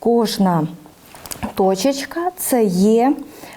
Кожна точечка – це є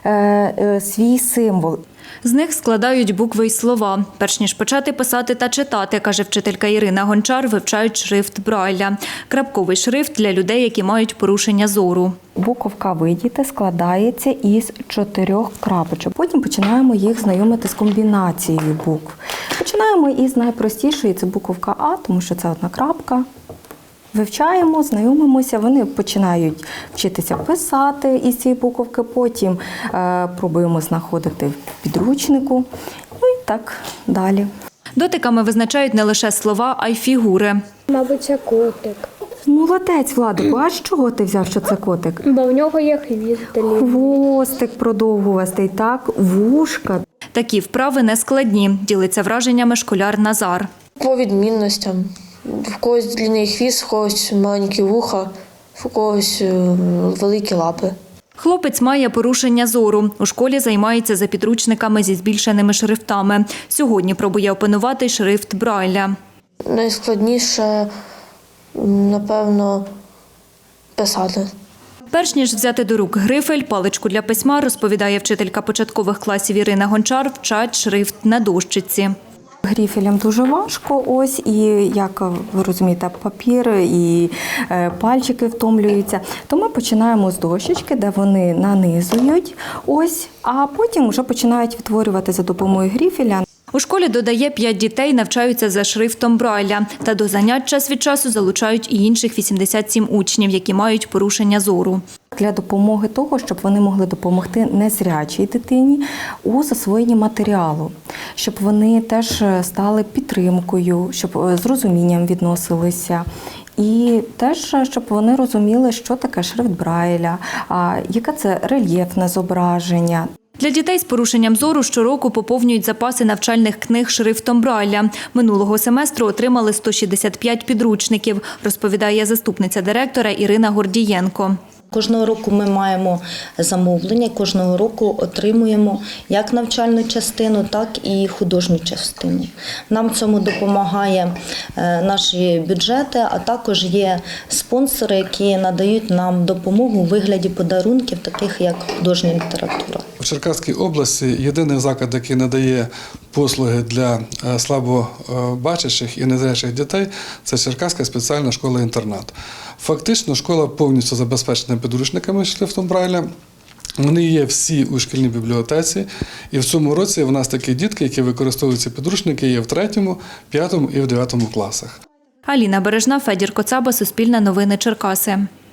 свій символ. З них складають букви й слова. Перш ніж почати писати та читати, каже вчителька Ірина Гончар, вивчають шрифт Брайля. Крапковий шрифт для людей, які мають порушення зору. Буковка «Видіти» складається із 4 крапочок. Потім починаємо їх знайомити з комбінацією букв. Починаємо із найпростішої – це буковка «А», тому що це одна крапка. Вивчаємо, знайомимося, вони починають вчитися писати із цієї буковки, потім пробуємо знаходити в підручнику, ну і так далі. Дотиками визначають не лише слова, а й фігури. Мабуть, це котик. Молодець, Владику, а з чого ти взяв, що це котик? Бо в нього є хвіст. Хвостик продовгувастий, так, вушка. Такі вправи не складні, ділиться враженнями школяр Назар. По відмінностям. В когось длинний хвіст, в когось маленькі вуха, в когось великі лапи. Хлопець має порушення зору. У школі займається за підручниками зі збільшеними шрифтами. Сьогодні пробує опанувати шрифт Брайля. Найскладніше, напевно, писати. Перш ніж взяти до рук грифель, паличку для письма, розповідає вчителька початкових класів Ірина Гончар, вчать шрифт на дощиці. Грифелям дуже важко, ось, і, як ви розумієте, папір і пальчики втомлюються. То ми починаємо з дощечки, де вони нанизують, ось, а потім вже починають відтворювати за допомогою грифеля. У школі, додає, 5 дітей навчаються за шрифтом Брайля. Та до занять час від часу залучають і інших 87 учнів, які мають порушення зору. Для допомоги того, щоб вони могли допомогти незрячій дитині у засвоєнні матеріалу, щоб вони теж стали підтримкою, щоб з розумінням відносилися. І теж, щоб вони розуміли, що таке шрифт Брайля, яке це рельєфне зображення. Для дітей з порушенням зору щороку поповнюють запаси навчальних книг шрифтом Брайля. Минулого семестру отримали 165 підручників, розповідає заступниця директора Ірина Гордієнко. Кожного року ми маємо замовлення, кожного року отримуємо як навчальну частину, так і художню частину. Нам в цьому допомагає наші бюджети, а також є спонсори, які надають нам допомогу у вигляді подарунків, таких як художня література. У Черкаській області єдиний заклад, який надає послуги для слабобачачих і незрячих дітей, це Черкаська спеціальна школа-інтернат. Фактично школа повністю забезпечена підручниками шрифтом Брайля. Вони є всі у шкільній бібліотеці. І в цьому році в нас такі дітки, які використовують ці підручники, є в 3, 5 і в 9 класах. Аліна Бережна, Федір Коцаба, Суспільне новини Черкаси.